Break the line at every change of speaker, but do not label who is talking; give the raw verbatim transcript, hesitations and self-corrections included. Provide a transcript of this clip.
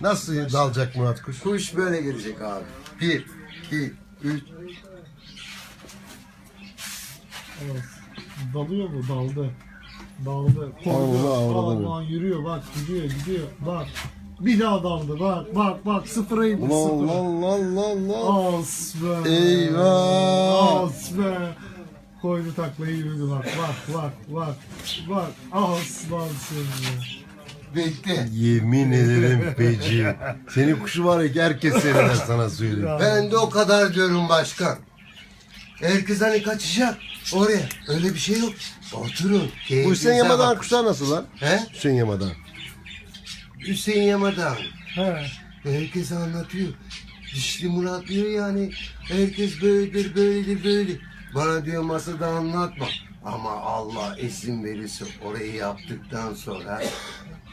Nasıl dalacak Murat kuş?
Kuş böyle gelecek abi. Bir, iki, üç.
Evet. Dalıyor mu? Daldı. Daldı.
Allah
Koydu.
Allah.
Aman yürüyor bak gidiyor gidiyor. Bak. Bir daha daldı. Bak bak bak sıfıra indi
Allah
sıfır.
Allah Allah Allah.
As be.
Eyvah.
As be. Koydu taklayı yürüdü bak bak bak bak. Bak aslansın be.
Bekle.
Yemin ederim Beci. Senin kuşu var ya herkes seyreder sana söyleyeyim.
Ya.
Ben de o kadar diyorum başkan. Herkes hani kaçacak oraya. Öyle bir şey yok. Oturun.
Bu
keyfinize
Hüseyin Yamadan
bakın.
kuşlar nasıl lan?
He?
Hüseyin Yamadan.
Hüseyin Yamadan.
He.
Herkes anlatıyor. Dişli Murat diyor yani. Herkes böyledir, böyledir, böyle. Bana diyor masada anlatma. Ama Allah izin verirse orayı yaptıktan sonra